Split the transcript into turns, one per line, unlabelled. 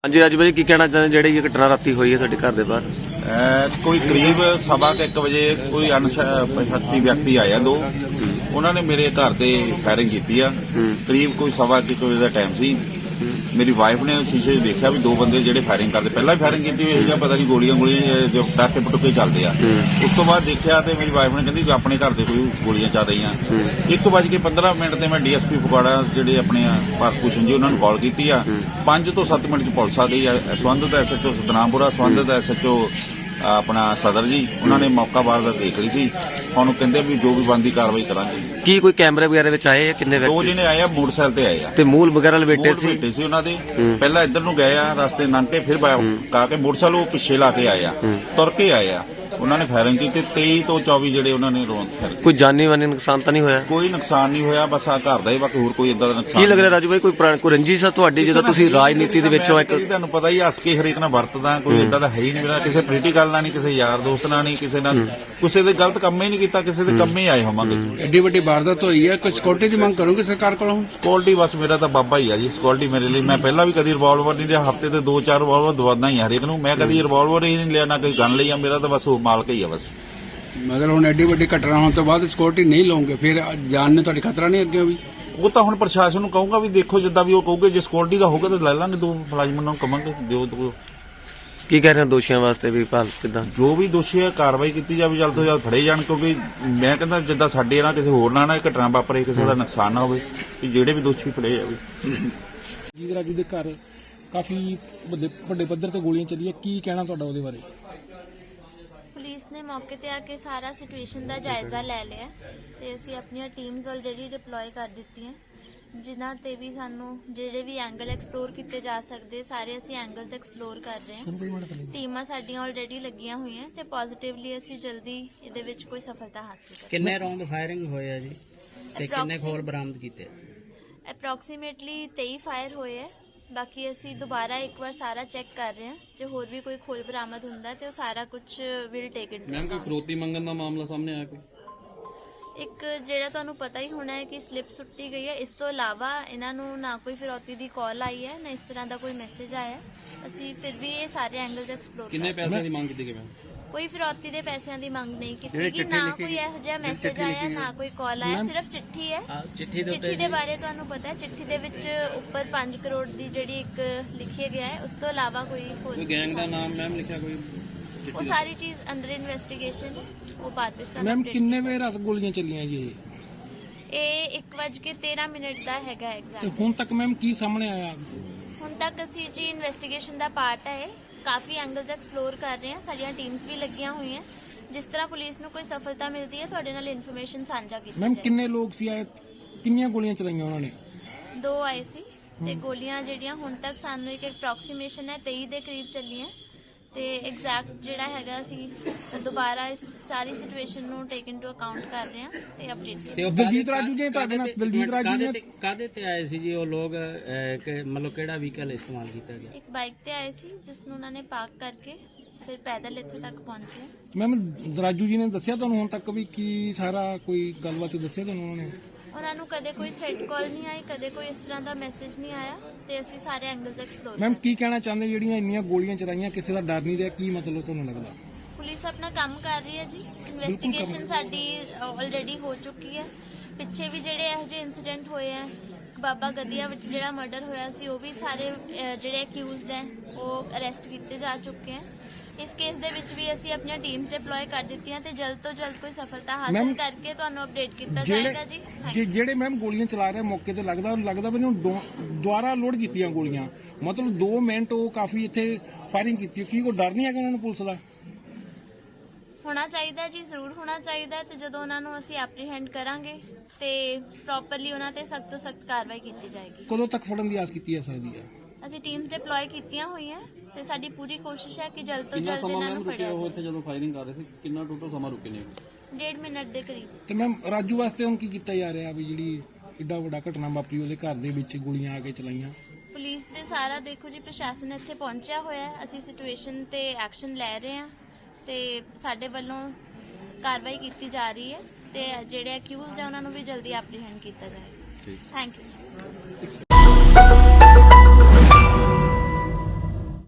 हाँ जी राजू भाई की कहना चाहते जी घटना राती हुई है साडे घर दे बाहर
कोई करीब 1:15 बजे कोई अनपछाती व्यक्ति आया दो उन्होंने मेरे घर से फायरिंग की करीब कोई 1:15 बजे का टाइम सी मेरी वाइफ ने शीशे देखा भी दो बंदे जो फायरिंग करते पहला भी फायरिंग की हुई है पता नहीं गोलियां जो पटाखे पटुके चलते हैं उस तो बाद देखा तो मेरी वाइफ ने कहती अपने घर से कोई गोलियां चल रही हैं 1:15 से मैं DSP फगवाड़ा जो अपने भारत भूषण जी उन्होंने कॉल की 5 ਤੋਂ 7 मिनट पुलिस आ गई है संबंधित SHO सतनामपुरा संबंधित SHO अपना सदर जी उन्होंने मौका वारदात देख ली थी हम कहते भी जो भी बनती कार्रवाई करांगे
की कोई कैमरे वगैरह विच आए किन्ने
दो जने आए मोटरसाइकिल ते आए
ते मूल वगैरह लपेटे सी
उन्हों दे पहला इधर नूं गए रास्ते लंघ के फिर कहा के मोटरसाइकिल वो पिछे ला के आए तुर के आए उन्होंने फायरिंग की 23 ਤੋਂ 24 ਜਿਹੜੇ ਉਹਨਾਂ ਨੇ
ਕੋਈ ਜਾਨੀ ਵਾਨੀ ਨੁਕਸਾਨ ਤਾਂ ਨਹੀਂ ਹੋਇਆ
ਕੋਈ ਨੁਕਸਾਨ ਨਹੀਂ ਹੋਇਆ ਬਸ ਆ ਘਰ ਦਾ ਹੀ ਬਾਕੀ ਹੋਰ ਕੋਈ ਇਦਾਂ ਦਾ ਨੁਕਸਾਨ
ਕੀ ਲੱਗ ਰਿਹਾ ਰਾਜੂ ਭਾਈ ਕੋਈ ਰੰਜਿਸ਼ ਆ ਤੁਹਾਡੀ ਜਦੋਂ ਤੁਸੀਂ ਰਾਜਨੀਤੀ ਦੇ ਵਿੱਚੋਂ ਇੱਕ
ਤੁਹਾਨੂੰ ਪਤਾ ਹੀ ਹੱਸ ਕੇ ਹਰੇਕ ਨਾਲ ਵਰਤਦਾ ਕੋਈ ਇਦਾਂ ਦਾ ਹੈ ਹੀ ਨਹੀਂ ਮੇਰਾ ਕਿਸੇ ਪੋਲੀਟੀਕਲ ਨਾਲ ਨਹੀਂ ਕਿਸੇ ਯਾਰ ਦੋਸਤ ਨਾਲ ਨਹੀਂ ਕਿਸੇ ਨਾਲ ਕਿਸੇ ਦੇ ਗਲਤ ਕੰਮ ਹੀ ਨਹੀਂ ਕੀਤਾ ਕਿਸੇ ਦੇ ਕੰਮ ਹੀ ਆਏ ਹੋਵਾਂਗੇ
ਐਡੀ ਵੱਡੀ ਵਾਰਦਾਤ ਹੋਈ ਹੈ ਕੋਈ ਸਿਕਿਉਰਿਟੀ ਦੀ ਮੰਗ ਕਰੋਗੇ ਸਰਕਾਰ ਕੋਲੋਂ
ਸਿਕਿਉਰਿਟੀ ਬਸ ਮੇਰਾ ਤਾਂ ਬਾਬਾ ਹੀ ਆ ਜੀ ਸਿਕਿਉਰਿਟੀ ਮੇਰੇ ਲਈ ਮੈਂ ਪਹਿਲਾਂ ਵੀ ਕਦੀ ਰਿਵਾਲਵਰ ਨਹੀਂ ਲਿਆ ਹਫਤੇ ਤੇ 2-4 ਰਿਵਾਲਵਰ ਦਵਾਦਾ ਹੀ ਹਰੇਕ ਨੂੰ ਮੈਂ ਕਦੀ ਰਿਵਾਲਵਰ ਹੀ ਨਹੀਂ ਲਿਆ ਨਾ ਕੋਈ ਗਨ ਲਈ ਆ ਮੇਰਾ ਤਾਂ ਬਸ ਉਹ ਮਾਲਕ ਹੀ ਆ ਬਸ
ਮਤਲਬ ਹੁਣ ਐਡੀ ਵੱਡੀ ਘਟਨਾ ਹੋਣ ਤੋਂ ਬਾਅਦ ਸਿਕਿਉਰਿਟੀ ਨਹੀਂ ਲਓਗੇ ਫਿਰ ਜਾਨ ਨੇ ਤੁਹਾਡੀ ਖਤਰਾ ਨਹੀਂ ਅੱਗੇ ਵੀ
ਉਹ ਤਾਂ ਹੁਣ ਪ੍ਰਸ਼ਾਸਨ ਨੂੰ ਕਹੂੰਗਾ ਵੀ ਦੇਖੋ ਜਿੱਦਾਂ ਵੀ ਉਹ ਕਹੂਗੇ ਜੇ ਸਿਕਿਉਰਿਟੀ ਦਾ ਹੋਊਗਾ ਤਾਂ ਲੈ ਲਾਂਗੇ ਦੋ ਮੁਲਾਜ਼ਮਾਂ ਨੂੰ ਕਵਾਂਗੇ ਦਿਓ ਦੋ
ਕੀ ਕਹਿ ਰਹੇ ਹੋ ਦੋਸ਼ੀਆਂ ਵਾਸਤੇ ਵੀ ਭਾਲ ਕਿਦਾਂ
ਜੋ ਵੀ ਦੋਸ਼ੀ ਹੈ ਕਾਰਵਾਈ ਕੀਤੀ ਜਾਵੇ ਜਲਦ ਤੋਂ ਜਲਦ ਫੜੇ ਜਾਣ ਕਿਉਂਕਿ ਮੈਂ ਕਹਿੰਦਾ ਜਿੱਦਾਂ ਸਾਡੇ ਨਾਲ ਕਿਸੇ ਹੋਰ ਨਾਲ ਘਟਨਾ ਵਾਪਰੇ ਕਿਸੇ ਦਾ ਨੁਕਸਾਨ ਨਾ ਹੋਵੇ ਕਿ ਜਿਹੜੇ ਵੀ ਦੋਸ਼ੀ ਫੜੇ ਜਾਵੇ
ਜੀਤ ਰਾਜੂ ਦੇ ਘਰ ਕਾਫੀ ਵੱਡੇ ਪੱਧਰ ਤੇ ਗੋਲੀਆਂ ਚੱਲੀਆਂ ਕੀ ਕਹਿਣਾ ਤੁਹਾਡਾ ਉਹਦੇ ਬਾਰੇ
ਪੁਲਿਸ ਨੇ ਮੌਕੇ ਤੇ ਆ ਕੇ ਸਾਰਾ ਸਿਚੁਏਸ਼ਨ ਦਾ ਜਾਇਜ਼ਾ ਲੈ ਲਿਆ ਤੇ ਅਸੀਂ ਆਪਣੀਆਂ ਟੀਮਸ ਆਲਰੇਡੀ ਡਿਪਲੋਏ ਕਰ ਦਿੱਤੀਆਂ ਜਿਨ੍ਹਾਂ ਤੇ ਵੀ ਸਾਨੂੰ ਜਿਹੜੇ ਵੀ ਐਂਗਲ ਐਕਸਪਲੋਰ ਕੀਤੇ ਜਾ ਸਕਦੇ ਸਾਰੇ ਅਸੀਂ ਐਂਗਲਸ ਐਕਸਪਲੋਰ ਕਰ ਰਹੇ ਹਾਂ ਟੀਮਾਂ ਸਾਡੀਆਂ ਆਲਰੇਡੀ ਲੱਗੀਆਂ ਹੋਈਆਂ ਤੇ ਪੋਜ਼ਿਟਿਵਲੀ ਅਸੀਂ ਜਲਦੀ ਇਹਦੇ ਵਿੱਚ ਕੋਈ ਸਫਲਤਾ ਹਾਸਲ ਕਰਾਂਗੇ।
ਕਿੰਨੇ ਰੌਂਦ ਫਾਇਰਿੰਗ ਹੋਏ ਆ ਜੀ ਤੇ ਕਿੰਨੇ ਖੋਲ ਬਰਾਮਦ ਕੀਤੇ
ਅਪਰੋਕਸੀਮੇਟਲੀ 23 ਫਾਇਰ ਹੋਏ ਹੈ ਬਾਕੀ ਅਸੀਂ ਦੁਬਾਰਾ ਇੱਕ ਵਾਰ ਸਾਰਾ ਚੈੱਕ ਕਰ ਰਹੇ ਹਾਂ ਜੇ ਹੋਰ ਵੀ ਕੋਈ ਖੋਲ ਬਰਾਮਦ ਹੁੰਦਾ ਤੇ ਉਹ ਸਾਰਾ ਕੁਝ ਵਿਲ ਟੇਕ ਇਟ
ਮੈਮ ਕੋਈ ਫਰੋਤੀ ਮੰਗਣ ਦਾ ਮਾਮਲਾ ਸਾਹਮਣੇ ਆਇਆ ਕੋਈ
ਇੱਕ ਜਿਹੜਾ ਤੁਹਾਨੂੰ ਪਤਾ ਹੀ ਹੋਣਾ ਹੈ ਕਿ ਸਲਿੱਪ ਸੁੱਟੀ ਗਈ ਹੈ ਇਸ ਤੋਂ ਇਲਾਵਾ ਇਹਨਾਂ ਨੂੰ ਨਾ ਕੋਈ ਫਿਰੌਤੀ ਦੀ ਕਾਲ ਆਈ ਹੈ ਨਾ ਇਸ ਤਰ੍ਹਾਂ ਦਾ ਕੋਈ ਮੈਸੇਜ ਆਇਆ ਅਸੀਂ ਫਿਰ ਵੀ ਇਹ ਸਾਰੇ ਐਂਗਲਸ ਐਕਸਪਲੋਰ
ਕਿੰਨੇ ਪੈਸਿਆਂ ਦੀ ਮੰਗ ਕੀਤੀ ਗਈ ਮੈਮ
ਕੋਈ ਫਿਰੌਤੀ ਦੇ ਪੈਸਿਆਂ ਦੀ ਮੰਗ ਨਹੀਂ ਕੀਤੀ ਕਿ ਨਾ ਕੋਈ ਇਹੋ ਜਿਹਾ ਮੈਸੇਜ ਆਇਆ ਨਾ ਕੋਈ ਕਾਲ ਆਇਆ ਸਿਰਫ ਚਿੱਠੀ ਹੈ ਚਿੱਠੀ ਦੇ ਬਾਰੇ ਤੁਹਾਨੂੰ ਪਤਾ ਹੈ ਚਿੱਠੀ ਦੇ ਵਿੱਚ ਉੱਪਰ 5 ਕਰੋੜ ਦੀ ਜਿਹੜੀ ਇੱਕ ਲਿਖਿਆ ਗਿਆ ਹੈ ਉਸ ਤੋਂ ਇਲਾਵਾ ਕੋਈ
ਗੈਂਗ ਦਾ ਨਾਮ ਮੈਮ ਲਿਖਿਆ ਕੋਈ
ਉਹ ਸਾਰੀ ਚੀਜ਼ ਅੰਡਰ ਇਨਵੈਸਟੀਗੇਸ਼ਨ ਉਹ ਬਾਅਦ ਵਿੱਚ
ਮੈਮ ਕਿੰਨੇ ਵਜੇ ਰਾਤ ਗੋਲੀਆਂ ਚੱਲੀਆਂ ਜੀ
ਇਹ 1:13 ਦਾ ਹੈਗਾ
ਤੇ
ਐਗਜ਼ੈਕਟ
ਹੁਣ ਤੱਕ ਮੈਮ ਕੀ ਸਾਹਮਣੇ ਆਇਆ
ਹੁਣ ਤੱਕ ਅਸੀਂ ਜੀ ਇਨਵੈਸਟੀਗੇਸ਼ਨ ਦਾ ਪਾਰਟ ਹੈ ਕਾਫੀ ਐਂਗਲਸ ਐਕਸਪਲੋਰ ਕਰ ਰਹੇ ਹਾਂ ਸਾਡੀਆਂ ਟੀਮਸ ਵੀ ਲੱਗੀਆਂ ਹੋਈਆਂ ਜਿਸ ਤਰ੍ਹਾਂ ਪੁਲਿਸ ਨੂੰ ਕੋਈ ਸਫਲਤਾ ਮਿਲਦੀ ਹੈ ਤੁਹਾਡੇ ਨਾਲ ਇਨਫੋਰਮੇਸ਼ਨ ਸਾਂਝਾ ਕੀਤੀ
ਮੈਮ
ਜਾਏ
ਕਿੰਨੇ ਲੋਕ ਸੀ ਆਏ ਕਿੰਨੀਆਂ ਗੋਲੀਆਂ ਚਲਾਈਆਂ ਉਹਨਾਂ ਨੇ
2 ਆਏ ਸੀ ਤੇ ਗੋਲੀਆਂ ਜਿਹੜੀਆਂ ਹੁਣ ਤੱਕ ਸਾਨੂੰ ਇੱਕ ਅਪਰੋਕਸੀਮੇਸ਼ਨ ਹੈ 23 ਦੇ ਕਰੀਬ ਚੱਲੀਆਂ ਤੇ ਐਗਜ਼ੈਕਟ ਜਿਹੜਾ ਹੈਗਾ ਅਸੀਂ ਦੁਬਾਰਾ ਇਸ ਸਾਰੀ ਸਿਚੁਏਸ਼ਨ ਨੂੰ ਟੇਕ ਇਨਟੂ ਅਕਾਊਂਟ ਕਰ ਰਹੇ ਹਾਂ ਤੇ ਅਪਡੇਟ
ਤੇ ਦਲਜੀਤ ਰਾਜੂ ਜੀ ਤੁਹਾਡੇ ਨਾਲ ਦਲਜੀਤ ਰਾਜੂ ਨੇ
ਕਾਦੇ ਤੇ ਆਏ ਸੀ ਜੀ ਉਹ ਲੋਕ ਮਤਲਬ ਕਿਹੜਾ ਵਹੀਕਲ ਇਸਤੇਮਾਲ ਕੀਤਾ ਗਿਆ
ਇੱਕ ਬਾਈਕ ਤੇ ਆਏ ਸੀ ਜਿਸ ਨੂੰ ਉਹਨਾਂ ਨੇ ਪਾਰਕ ਕਰਕੇ ਫਿਰ ਪੈਦਲ ਇੱਥੇ ਤੱਕ ਪਹੁੰਚੇ
ਮੈਮ ਰਾਜੂ ਜੀ ਨੇ ਦੱਸਿਆ ਤੁਹਾਨੂੰ ਹੁਣ ਤੱਕ ਵੀ ਕੀ ਸਾਰਾ ਕੋਈ ਗੱਲਬਾਤ ਦੱਸਿਆ ਤੁਹਾਨੂੰ ਉਹਨਾਂ ਨੇ
ਉਹਨਾਂ ਨੂੰ ਕਦੇ ਕੋਈ ਥ੍ਰੈਟ ਕਾਲ ਨਹੀਂ ਆਈ ਕਦੇ ਕੋਈ ਇਸ ਤਰ੍ਹਾਂ ਦਾ ਮੈਸੇਜ ਨਹੀਂ ਆਇਆ ਤੇ ਅਸੀਂ ਸਾਰੇ ਐਂਗਲਸ ਐਕਸਪਲੋਰ
ਮੈਮ ਕੀ ਕਹਿਣਾ ਚਾਹੁੰਦੇ ਜਿਹੜੀਆਂ ਇੰਨੀਆਂ ਗੋਲੀਆਂ ਚਲਾਈਆਂ ਕਿਸੇ ਦਾ ਡਰ ਨਹੀਂ ਰਿਹਾ ਕੀ ਮਤਲਬ ਤੁਹਾਨੂੰ ਲੱਗਦਾ
ਪੁਲਿਸ ਆਪਣਾ ਕੰਮ ਕਰ ਰਹੀ ਹੈ ਜੀ ਇਨਵੈਸਟੀਗੇਸ਼ਨ ਸਾਡੀ ਆਲਰੇਡੀ ਹੋ ਚੁੱਕੀ ਹੈ ਪਿੱਛੇ ਵੀ ਜਿਹੜੇ ਇਹੋ ਜਿਹੇ ਇਨਸੀਡੈਂਟ ਹੋਏ ਆ ਬਾਬਾ ਗਦੀਆ ਵਿੱਚ ਜਿਹੜਾ ਮਰਡਰ ਹੋਇਆ ਸੀ ਉਹ ਵੀ ਸਾਰੇ ਜਿਹੜੇ ਅਕਿਊਜ਼ਡ ਹੈ ਉਹ ਅਰੈਸਟ ਕੀਤੇ ਜਾ ਚੁੱਕੇ ਹੈ ਇਸ ਕੇਸ ਦੇ ਵਿੱਚ ਵੀ ਅਸੀਂ ਆਪਣੀਆਂ ਟੀਮਸ ਡਿਪਲੋਏ ਕਰ ਦਿੱਤੀਆਂ ਤੇ ਜਲਦ ਤੋਂ ਜਲਦ ਕੋਈ ਸਫਲਤਾ ਹਾਸਲ ਕਰਕੇ ਤੁਹਾਨੂੰ ਅਪਡੇਟ ਕੀਤਾ ਜਾਏਗਾ ਜੀ
ਜਿਹੜੇ ਮੈਮ ਗੋਲੀਆਂ ਚਲਾ ਰਹੇ ਮੌਕੇ ਤੇ ਲੱਗਦਾ ਮੈਨੂੰ ਦੁਆਰਾ ਲੋਡ ਕੀਤੀਆਂ ਗੋਲੀਆਂ ਮਤਲਬ 2 ਮਿੰਟ ਉਹ ਕਾਫੀ ਇੱਥੇ ਫਾਇਰਿੰਗ ਕੀਤੀ ਕੀ ਕੋਈ ਡਰ ਨਹੀਂ ਹੈਗਾ ਉਹਨਾਂ ਨੂੰ ਪੁਲਿਸ ਦਾ
ਹੋਣਾ ਚਾਹੀਦਾ ਜੀ ਜ਼ਰੂਰ ਹੋਣਾ ਚਾਹੀਦਾ ਤੇ ਜਦੋਂ ਉਹਨਾਂ ਨੂੰ ਅਸੀਂ ਐਪਰੀਹੈਂਡ ਕਰਾਂਗੇ ਤੇ ਪ੍ਰੋਪਰਲੀ ਉਹਨਾਂ ਤੇ ਸਖਤ ਤੋਂ ਸਖਤ ਕਾਰਵਾਈ ਕੀਤੀ ਜਾਏਗੀ
ਕਦੋਂ ਤੱਕ ਫੜਨ ਦੀ ਆਸ ਕੀਤੀ ਜਾ ਸਕਦੀ ਹੈ
ਅਸੀਂ ਟੀਮਸ ਡਿਪਲੋਏ ਕੀਤੀਆਂ ਹੋਈਆਂ ਤੇ ਸਾਡੀ ਪੂਰੀ ਕੋਸ਼ਿਸ਼ ਹੈ ਕਿ ਜਲਦ ਤੋਂ ਜਲਦ ਇਹਨਾਂ ਨੂੰ ਫੜਿਆ ਜਾਵੇ
ਇੱਥੇ ਜਦੋਂ ਫਾਇਰਿੰਗ ਕਰ ਰਹੇ ਸੀ ਕਿੰਨਾ ਟੋਟਲ ਸਮਾਂ ਰੁਕੇ ਨੇ
1.5 ਮਿੰਟ ਦੇ ਕਰੀਬ
ਤੇ ਮੈਮ ਰਾਜੂ ਵਾਸਤੇ ਹੁਣ ਕੀ ਕੀਤਾ ਜਾ ਰਿਹਾ ਵੀ ਜਿਹੜੀ ਏਡਾ ਵੱਡਾ ਘਟਨਾ ਵਾਪਰੀ ਉਹਦੇ ਘਰ ਦੇ ਵਿੱਚ ਗੋਲੀਆਂ ਆ ਕੇ ਚਲਾਈਆਂ
ਪੁਲਿਸ ਦੇ ਸਾਰਾ ਦੇਖੋ ਜੀ ਪ੍ਰਸ਼ਾਸਨ ਇੱਥੇ ਪਹੁੰਚਿਆ ਹੋਇਆ ਹੈ ਅਸੀਂ ਸਿਚੁਏਸ਼ਨ ਤੇ ਐਕਸ਼ਨ ਲੈ ਰਹੇ ਹਾਂ ਤੇ ਸਾਡੇ ਵੱਲੋਂ ਕਾਰਵਾਈ ਕੀਤੀ ਜਾ ਰਹੀ ਹੈ ਤੇ ਜਿਹੜੇ ਅਕਿਊਜ਼ਡ ਹੈ ਉਹਨਾਂ ਨੂੰ ਵੀ ਜਲਦੀ ਐਪਰੀਹੈਂਡ ਕੀਤਾ ਜਾਏ ਥੈਂਕ ਯੂ